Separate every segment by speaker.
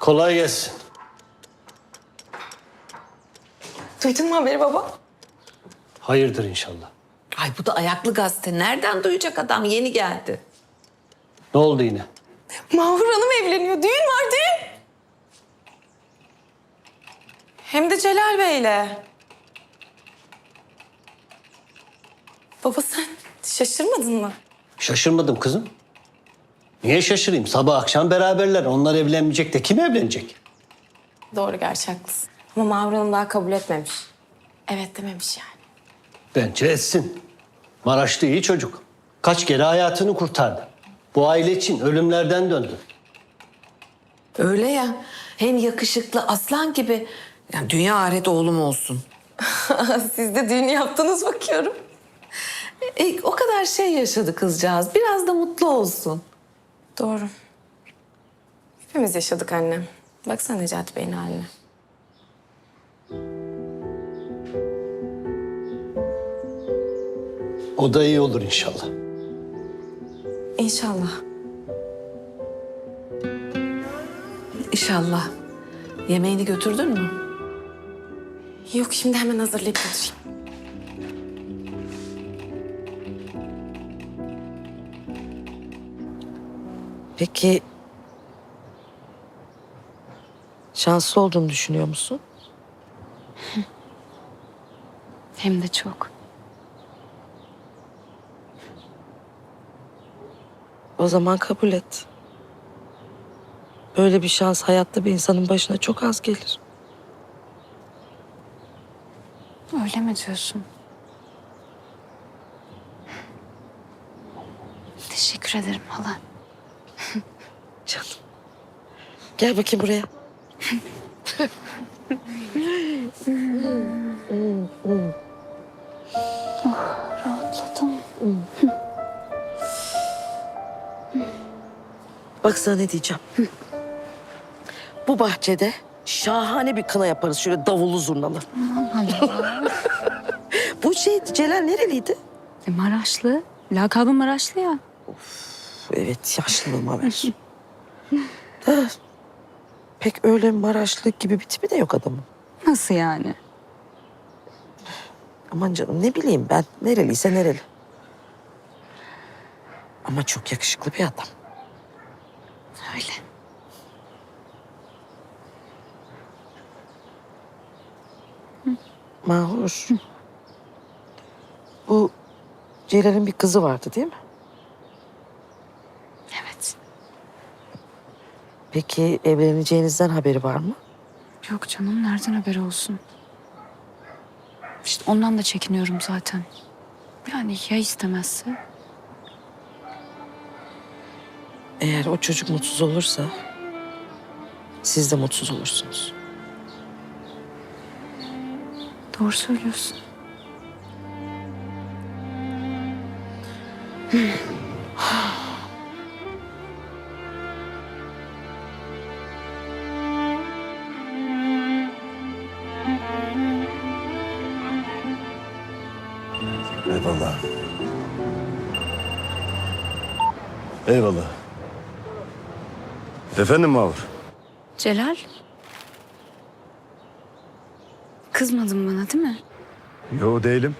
Speaker 1: Kolay gelsin.
Speaker 2: Duydun mu haberi baba?
Speaker 1: Hayırdır inşallah.
Speaker 3: Ay bu da ayaklı gazete. Nereden duyacak adam? Yeni geldi.
Speaker 1: Ne oldu yine?
Speaker 2: Mahur Hanım evleniyor. Düğün var, düğün. Hem de Celal Bey'le. Baba sen şaşırmadın mı?
Speaker 1: Şaşırmadım kızım. Niye şaşırayım? Sabah akşam beraberler. Onlar evlenmeyecek de kim evlenecek?
Speaker 2: Doğru, gerçi haklısın. Ama Mahur Hanım daha kabul etmemiş. Evet dememiş yani.
Speaker 1: Bence etsin. Maraşlı iyi çocuk. Kaç kere hayatını kurtardı. Bu aile için ölümlerden döndü.
Speaker 3: Öyle ya. Hem yakışıklı aslan gibi. Yani dünya ahiret oğlum olsun.
Speaker 2: Siz de düğün yaptınız bakıyorum.
Speaker 3: O kadar şey yaşadı kızcağız. Biraz da mutlu olsun.
Speaker 2: Doğru. Hepimiz yaşadık annem. Baksana Necati Bey'in haline.
Speaker 1: O da iyi olur inşallah.
Speaker 2: İnşallah.
Speaker 3: İnşallah. Yemeğini götürdün mü?
Speaker 2: Yok, şimdi hemen hazırlayıp götüreyim.
Speaker 4: Peki şanslı olduğunu düşünüyor musun?
Speaker 2: Hem de çok.
Speaker 4: O zaman kabul et. Böyle bir şans hayatta bir insanın başına çok az gelir.
Speaker 2: Öyle mi diyorsun? Teşekkür ederim hala.
Speaker 4: Canım. Gel bakayım buraya.
Speaker 2: Rahatladım.
Speaker 4: Bak sana ne diyeceğim. Bu bahçede şahane bir kına yaparız şöyle davullu zurnalı. Bu Celal nereliydi?
Speaker 5: Maraşlı. Lakabı Maraşlı ya.
Speaker 4: Evet, yaşlılığıma ver. Da, pek öyle Maraşlı gibi bir tipi de yok adamın.
Speaker 5: Nasıl yani?
Speaker 4: Aman canım ne bileyim ben. Nereliyse nereli. Ama çok yakışıklı bir adam.
Speaker 5: Öyle.
Speaker 4: Mahur. Bu Celal'in bir kızı vardı değil mi?
Speaker 5: Evet.
Speaker 4: Peki evleneceğinizden haberi var mı?
Speaker 5: Yok canım, nereden haberi olsun? İşte ondan da çekiniyorum zaten. Yani ya istemezse?
Speaker 4: Eğer o çocuk mutsuz olursa siz de mutsuz olursunuz.
Speaker 5: Doğru söylüyorsun.
Speaker 6: Eyvallah. Eyvallah. Efendim Mahur?
Speaker 5: Celal. Kızmadın bana değil mi?
Speaker 6: Yo değilim.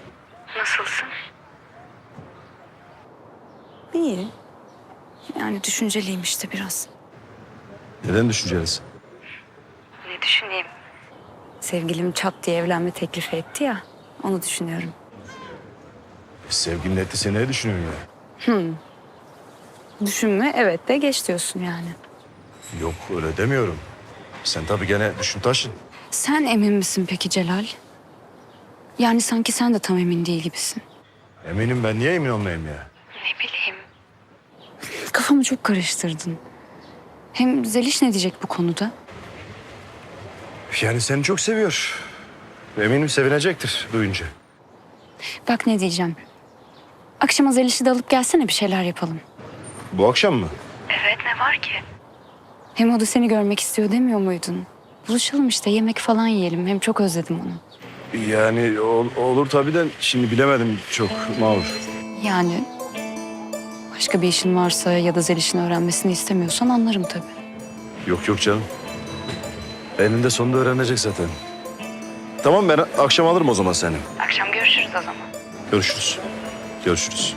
Speaker 5: İyi. Yani düşünceliyim işte biraz.
Speaker 6: Neden düşüncelisin?
Speaker 5: Ne düşüneyim? Sevgilim çat diye evlenme teklifi etti ya. Onu düşünüyorum.
Speaker 6: Sevgilin etti ne düşünüyorsun ya?
Speaker 5: Düşünme, evet de geç diyorsun yani.
Speaker 6: Yok öyle demiyorum. Sen tabii gene düşün taşın.
Speaker 5: Sen emin misin peki Celal? Yani sanki sen de tam emin değil gibisin.
Speaker 6: Eminim ben niye emin olmayayım ya?
Speaker 5: Kafamı çok karıştırdın. Hem Zeliş ne diyecek bu konuda?
Speaker 6: Yani seni çok seviyor. Eminim sevinecektir duyunca.
Speaker 5: Bak ne diyeceğim. Akşama Zeliş'i de alıp gelsene, bir şeyler yapalım.
Speaker 6: Bu akşam mı?
Speaker 5: Hem o da seni görmek istiyor demiyor muydun? Buluşalım işte, yemek falan yiyelim. Hem çok özledim onu.
Speaker 6: Yani olur tabii de şimdi bilemedim çok Mahur.
Speaker 5: Yani başka bir işin varsa ya da Zeliş'in öğrenmesini istemiyorsan anlarım tabii.
Speaker 6: Yok canım. Eninde sonunda öğrenecek zaten. Tamam ben akşam alırım o zaman seni.
Speaker 5: Akşam görüşürüz o zaman.
Speaker 6: Görüşürüz. Görüşürüz.